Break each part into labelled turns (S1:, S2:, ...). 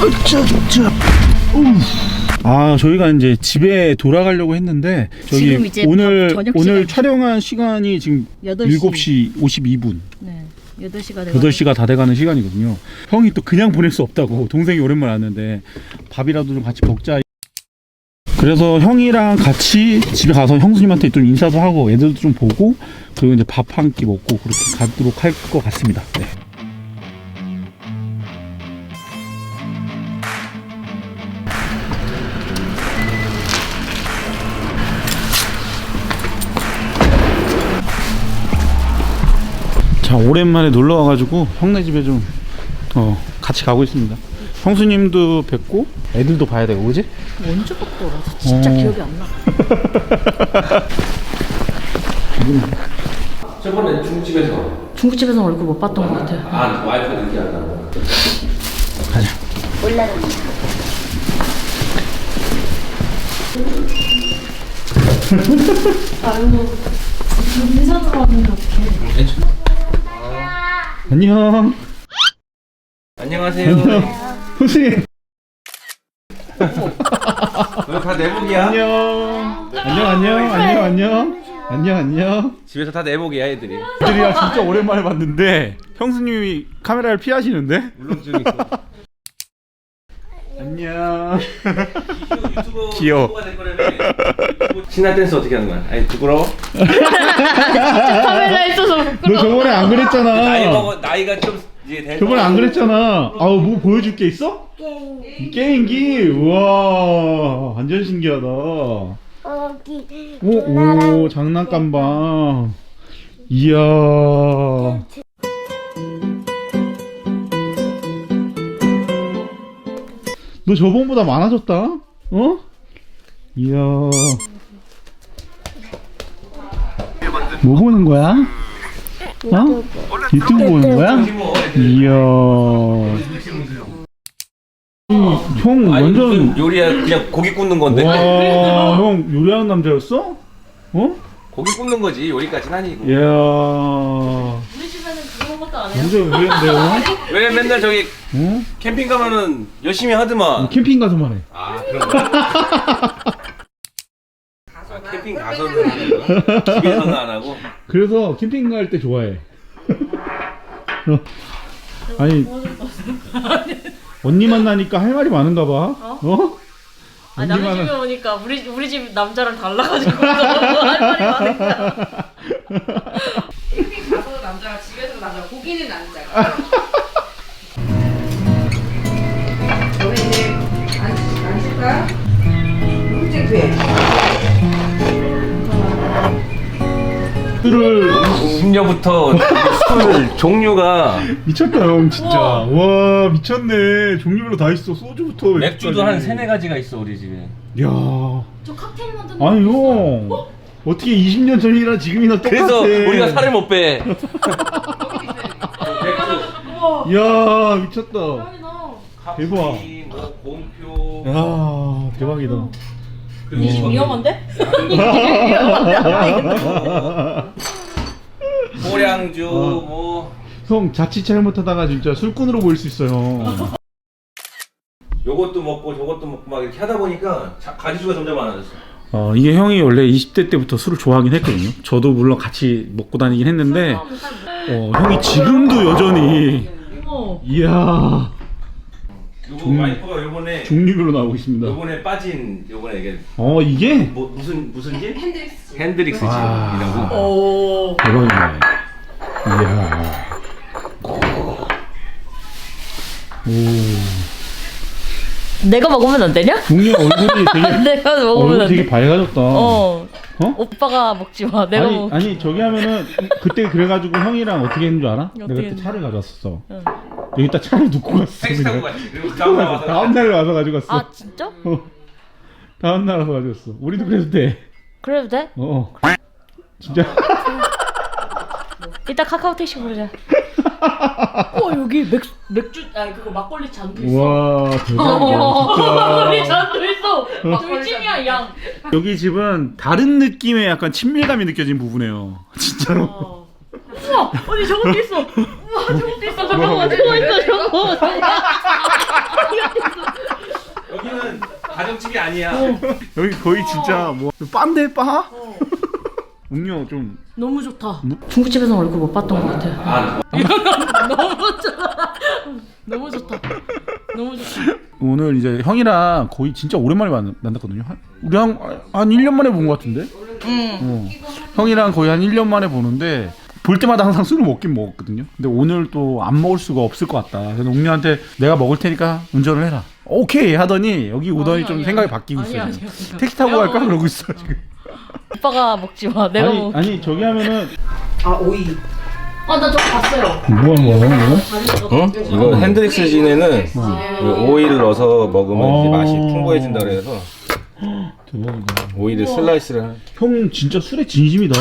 S1: 아, 저희가 이제 집에 돌아가려고 했는데 저기
S2: 이제
S1: 오늘 촬영한 시간이 지금 7시 52분.
S2: 네.
S1: 8시가 다 돼가는 시간이거든요. 형이 또 그냥 보낼 수 없다고. 동생이 오랜만에 왔는데 밥이라도 좀 같이 먹자. 그래서 형이랑 같이 집에 가서 형수님한테 좀 인사도 하고 애들도 좀 보고 그리고 이제 밥 한 끼 먹고 그렇게 가도록 할 것 같습니다. 네. 자, 오랜만에 놀러 와가지고 형네 집에 좀 같이 가고 있습니다. 형수님도 뵙고 애들도 봐야 되고, 그지?
S2: 언제 봤더라? 진짜 기억이 안 나.
S3: 저번에 중국집에서
S2: 얼굴 못 봤던 것 같아.
S3: 아, 와이프 늦게 한다고.
S1: 가자.
S2: 올라가. 아유, 인사도 하는데 어떡해.
S1: 안녕.
S3: 안녕하세요.
S1: 형수님.
S3: 너 다 내복이야?
S1: 안녕.
S3: 집에서 다 내복이야, 애들이.
S1: 애들이야 진짜 오랜만에 봤는데 형수님이 카메라를 피하시는데?
S3: 울렁증이 있어.
S1: 안녕.
S3: 유튜버
S1: 귀여워.
S3: 유튜버가 될 거라며. 신나 댄스 어떻게 하는 거야? 아니, 부끄러워?
S2: 카메라 있어서
S1: 너 저번에 안 그랬잖아.
S3: 나이가 좀 이제 된.
S1: 저번에 안 그랬잖아. 아우, 뭐 보여줄 게 있어? 게임기. 우와, 완전 신기하다. 오, 장난감방. 이야. 너 저번보다 많아졌다. 어? 이야. 뭐 보는 거야? 어? 유튜브 보는 거야? 이야. 형 완전
S3: 요리야, 그냥 고기 굽는 건데.
S1: 와, 형 요리하는 남자였어? 어?
S3: 고기 굽는 거지, 요리까지는 아니고.
S1: 이야.
S2: 우리 집에는 그런 것도 안 해요.
S1: 완전 의외인데요?
S3: 왜 맨날 저기
S1: 어?
S3: 캠핑 가면은 열심히 하더만.
S1: 캠핑 가서만 해.
S3: 아, 그런 거야? 캠핑 가서는 하는 거야? 집에서는 안 하고?
S1: 그래서 캠핑 갈 때 좋아해. 아니, 언니 만나니까 할 말이 많은가 봐. 어?
S2: 아, 남의 집에 오니까 우리 집 남자랑 달라가지고 할 말이 많은 거야.
S4: 캠핑 가서 남자가 집에서 남자 고기는 남자가. 너네 이제 안 줄까? 흑쟁 돼.
S1: 술을
S3: 음료부터 술 종류가
S1: 미쳤다 형 진짜. 와, 미쳤네. 종류별로 다 있어. 소주부터
S3: 맥주도 한 3-4가지가 있어 우리 집에.
S1: 야.
S2: 저 칵테일 만드는
S1: 아니 형, 어떻게 20년 전이랑 지금이나 똑같아.
S3: 그래서 우리가 살을 못 빼.
S1: 이야, 미쳤다. 대박.
S3: 뭐 곰표.
S1: 야, 대박이다.
S2: 이 집 위험한데?
S3: 고량주 뭐.
S1: 형 자칫 잘못하다가 진짜 술꾼으로 보일 수 있어요.
S3: 요것도 먹고 저것도 먹고 막 이렇게 하다 보니까 가지수가 점점 많아졌어.
S1: 이게 형이 원래 20대 때부터 술을 좋아하긴 했거든요. 저도 물론 같이 먹고 다니긴 했는데 형이 지금도 여전히 이야.
S3: 요거 와이프가 요번에
S1: 종류별로 나오고 있습니다.
S3: 요번에 빠진 요번에 이게
S1: 이게?
S3: 뭐 무슨 집?
S4: 핸드릭스.
S3: 핸드릭스
S1: 와.
S3: 집이라고.
S2: 오.
S1: 대박이네. 이야. 오.
S2: 내가 먹으면 안 되냐?
S1: 종류 얼굴이 되게
S2: 내가 먹으면
S1: 얼굴
S2: 안
S1: 되게
S2: 돼.
S1: 밝아졌다.
S2: 오빠가 먹지 마. 내가 먹.
S1: 아니 저기 하면은 그때 그래가지고 형이랑 어떻게 했는 줄 알아? 내가 그때
S2: 했는데?
S1: 차를 가져왔었어.
S2: 응.
S1: 여기다 차를 놓고 갔어.
S3: 택시 타고
S1: 그냥.
S3: 갔지. 그리고 다음날 와서
S1: 다음날 와서 가져갔어.
S2: 아 진짜?
S1: 다음날 와서 가져갔어. 우리도 그래도 돼.
S2: 그래도 돼?
S1: 진짜.
S2: 이따 카카오 택시 부르자. 여기 맥주 그거 막걸리 잔도 있어.
S1: 와, 대박이야
S2: 막걸리
S1: 진짜.
S2: 잔도 있어. 돌찜이야 양.
S1: 여기 집은 다른 느낌의 약간 친밀감이 느껴진 부분이에요. 진짜로.
S2: 우와 언니 저것도 있어. 우와 저것도 있어. 잠깐만 저거 있어 저거. 이거 있어.
S3: 아니야.
S1: 여기 거의 진짜 뭐 빠인데 빠? 음료 좀
S2: 너무 좋다. 중국집에서 얼굴 못 봤던 것 같아. 너무 좋다. 너무 좋다. 너무 좋다.
S1: 오늘 이제 형이랑 거의 진짜 오랜만에 만났거든요. 우리 한 1년 만에 본 것 같은데? 형이랑 거의 한 1년 만에 보는데 볼 때마다 항상 술을 먹긴 먹었거든요. 근데 오늘 또 안 먹을 수가 없을 것 같다. 그래서 옥녀한테 내가 먹을 테니까 운전을 해라. 오케이 하더니 여기 오더니 좀 생각이 바뀌고 있어요.
S2: 아니야.
S1: 택시 타고 갈까 그러고 있어 지금.
S2: 오빠가 먹지 마. 내가 먹.
S1: 아니 저기 하면은
S4: 아 오이.
S2: 나 저거 봤어요.
S1: 뭐 하는 거야?
S3: 응? 이거 핸드릭스 진에는 오일을 넣어서 먹으면 이제 맛이 풍부해진다 그래서
S1: 대박이다.
S3: 오일을 슬라이스를.
S1: 형 진짜 술에 진심이다.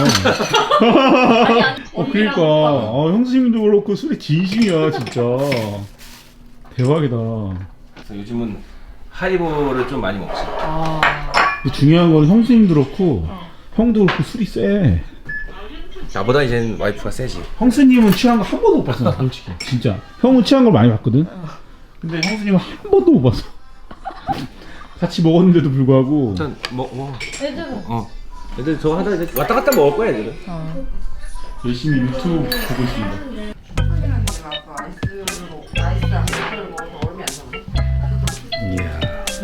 S1: 그러니까 형수님도 그렇고 술에 진심이야 진짜. 대박이다.
S3: 그래서 요즘은 하이볼을 좀 많이 먹지.
S1: 중요한 건 형수님도 그렇고 형도 그렇고 술이 세.
S3: 나보다 이제는 와이프가 세지.
S1: 형수님은 취한 거 한 번도 못 봤어, 나 솔직히. 진짜. 형은 취한 걸 많이 봤거든. 근데 형수님은 한 번도 못 봤어. 같이 먹었는데도 불구하고.
S3: 일단 애들은 애들 저거 하다 이제 왔다 갔다 먹을 거야 애들은.
S1: 열심히 유튜브 보고 있습니다.
S4: 아이스를 먹어서 얼음이 안 나오네.
S1: 이야.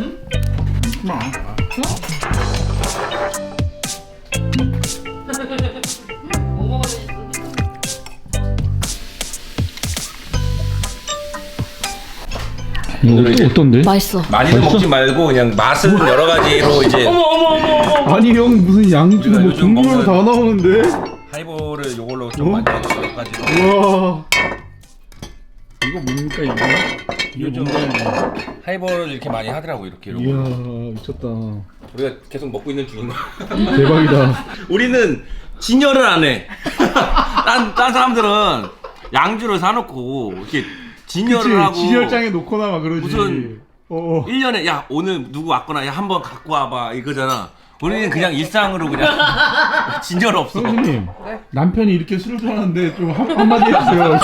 S1: 이거 어떤데?
S2: 맛있어.
S3: 많이도 먹지 말고 그냥 맛은 여러 가지로 이제.
S1: 아니 형 무슨 양주 뭐
S3: 요즘
S1: 종류로
S3: 먹는-
S1: 다 나오는데?
S3: 하이볼을 요걸로 좀 많이 먹어 몇 가지로.
S1: 우와. 이거 뭡니까 이거? 이거
S3: 요즘
S1: 뭔가?
S3: 하이볼을 이렇게 많이 하더라고 이렇게.
S1: 이야 미쳤다.
S3: 우리가 계속 먹고 있는 중인 거야.
S1: 대박이다.
S3: 우리는 진열을 안 해. 딴 사람들은 양주를 사놓고 이렇게 진열을 하고.
S1: 진열장에 놓거나 막 그러지.
S3: 무슨 1년에 야 오늘 누구 왔거나 야 한번 갖고 와봐 이거잖아. 우리는 그냥 일상으로 그냥 진열 없어.
S1: 선생님 남편이 이렇게 술을 좋아하는데 좀 한마디 해주세요.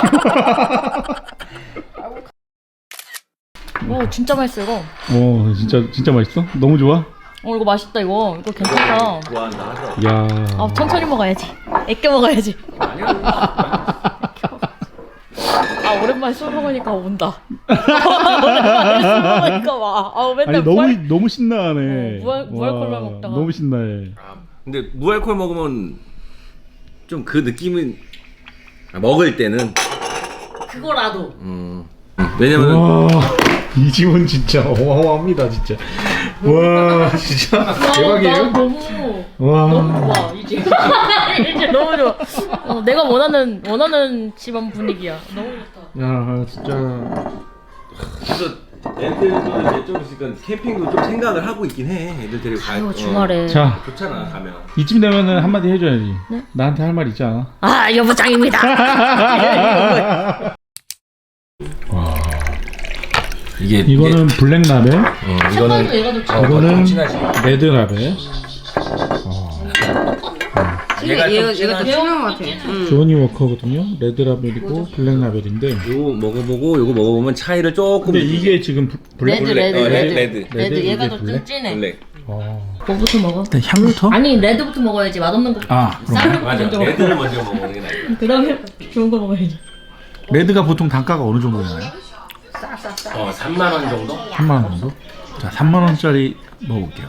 S2: 오 진짜 맛있어 이거.
S1: 진짜 맛있어? 너무 좋아?
S2: 이거 맛있다 이거. 이거 괜찮다.
S3: 좋아한다 하더라고.
S1: 야.
S2: 천천히 먹어야지. 애껴 먹어야지. 오랜만에 술 먹으니까 온다. 오랜만에 술 먹으니까 와. 맨날
S1: 아니 너무 신나네.
S2: 무알콜만 먹다가.
S1: 너무 신나해.
S3: 근데 무알콜 먹으면 좀 그 느낌은 먹을 때는
S2: 그거라도.
S3: 왜냐면
S1: 와, 이 집은 진짜 어마어마합니다, 진짜. 와, 진짜 대박이에요.
S2: 너무
S1: 와,
S2: 좋아 이제. 이제 너무 좋아. 내가 원하는 집안 분위기야. 너무 좋다.
S1: 야, 진짜.
S3: 그래서 애들도 이제 좀 있으니까 캠핑도 좀 생각을 하고 있긴 해. 애들 데리고
S2: 아유 주말에.
S1: 자,
S3: 좋잖아 가면.
S1: 이쯤 되면은 한마디 해줘야지. 나한테 할 말 있지 않아?
S2: 여부장입니다.
S1: 와,
S3: 이게
S1: 이거는 블랙 라벨,
S3: 이거는
S2: 얘가 좋지.
S1: 이거는
S3: 진하지.
S1: 레드 라벨.
S3: 얘가 좀
S4: 얘가 더 진한 것 같아.
S1: 조니 워커거든요. 레드 라벨이고 블랙 라벨인데.
S3: 요거 먹어보고 요거 먹어보면 차이를 조금.
S1: 근데 이게 지금 블랙.
S3: 레드.
S2: 얘가
S1: 이게
S2: 더
S1: 블랙?
S2: 찐찐해.
S3: 블랙.
S2: 뭐부터 먹어?
S1: 일단 향부터.
S2: 아니 레드부터 먹어야지. 맛없는 거. 싼 거
S3: 맞아.
S2: 먼저 먹어.
S3: 레드를 먼저 먹는 게 나아.
S2: 그다음에 좋은 거 먹어야지.
S1: 레드가 보통 단가가 어느 정도 되나요?
S3: 3만 원 정도?
S1: 3만 원 정도? 자, 3만 원짜리 먹어볼게요.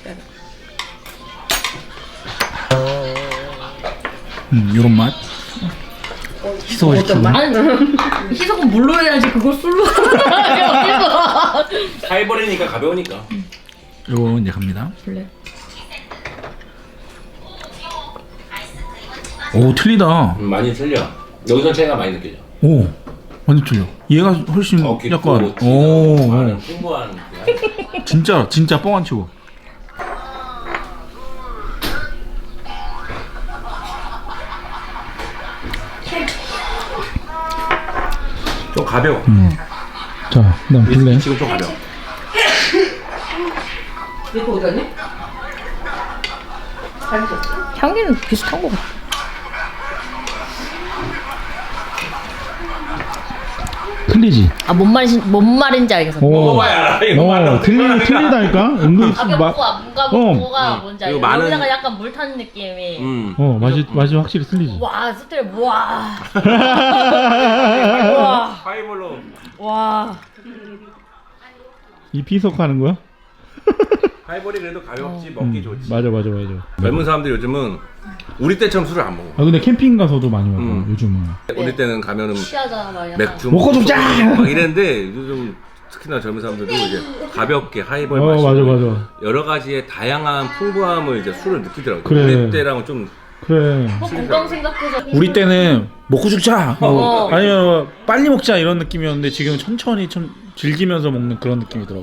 S1: 요런 맛. 희소시키고.
S2: 아니 희석은 물로 해야지. 그걸 술로.
S3: 하이볼이니까 가벼우니까.
S1: 요거 이제 갑니다.
S2: 블랙.
S1: 오, 틀리다.
S3: 많이 틀려. 여기서 차이가 많이 느껴져.
S1: 오, 완전 틀려. 얘가 훨씬 약간. 오,
S3: 풍부한.
S1: 진짜 뻥 안 치고.
S3: 좀 가벼워.
S1: 자, 그다음 블랙.
S3: 지금 좀 가벼워.
S4: 이거 어디 갔니?
S2: 향기는 비슷한 거 같아.
S1: 근데 틀리지.
S2: 아, 뭔 말인지 알겠어.
S3: 먹어봐야 알아. 이거 말로
S1: 틀리다니까. 은근히
S2: 가볍고 뭔가 뭐가 뭔지 알겠어.
S3: 그리고 많은-
S2: 여기다가 약간 물 타는 느낌이.
S1: 맛이 확실히 틀리지.
S2: 와, 스트레 와.
S3: 하이볼로.
S2: 와.
S1: 이 피석하는 거야?
S3: 하이볼이 그래도 가볍지 먹기 좋지.
S1: 맞아.
S3: 젊은 사람들이 요즘은 우리 때처럼 술을 안 먹어.
S1: 아 근데 캠핑 가서도 많이 먹어. 요즘은.
S3: 우리 때는 가면은
S2: 취하잖아, 막 약간.
S3: 맥주
S1: 먹고 죽자!
S3: 막 이랬는데 요즘 특히나 젊은 사람들도 이제 가볍게 하이볼
S1: 어,
S3: 마시고
S1: 맞아.
S3: 여러 가지의 다양한 풍부함을 이제 술을 느끼더라고.
S1: 그래.
S3: 우리 때랑은 좀
S1: 그래.
S2: 뭐 건강 생각해서.
S1: 우리 때는 먹고 죽자.
S2: 어.
S1: 아니면 빨리 먹자 이런 느낌이었는데 지금은 천천히 좀 즐기면서 먹는 그런 느낌이더라고.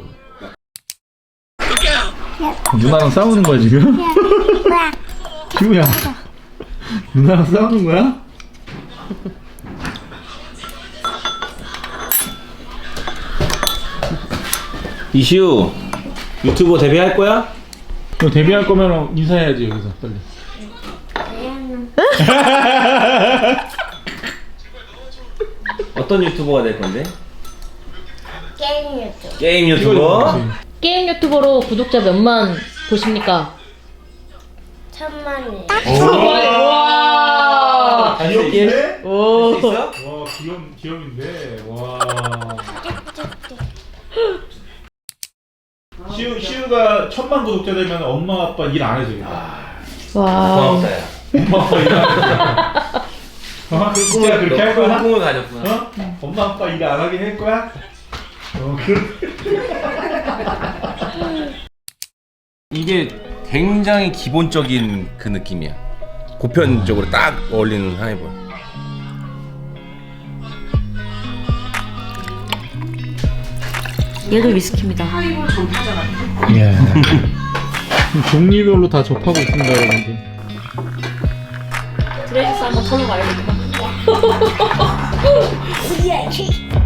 S1: 누나랑 싸우는 거야 지금? 지우야. 누나랑 싸우는 거야?
S3: 이시우 유튜버 데뷔할 거야?
S1: 너 데뷔할 거면 인사해야지 여기서 빨리.
S3: 어떤 유튜버가 될 건데?
S5: 게임 유튜브
S3: 게임 유튜버?
S2: 게임 유튜버로 구독자 몇만 보십니까?
S5: 1000만이
S2: 와.
S1: 귀여운데?
S2: 오.
S3: 있어?
S1: 와 귀염인데. 와. 시우가 1000만 구독자 되면 엄마 아빠 일 안 해도 되겠다.
S2: 와.
S3: 고맙다야.
S1: 엄마 아빠 일 안 해도 진짜 그렇게 할 거야?
S3: 꿈을 가졌구나.
S1: 어? 엄마 아빠 일 안 하게 할 거야?
S3: 이게 굉장히 기본적인 그 느낌이야. 보편적으로 딱 어울리는 하이볼.
S2: 얘도 위스키입니다.
S1: 예. 종류별로 다 접하고 있습니다, 여러분들.
S2: 드레스 한번 털러 가야겠다.
S5: 이야기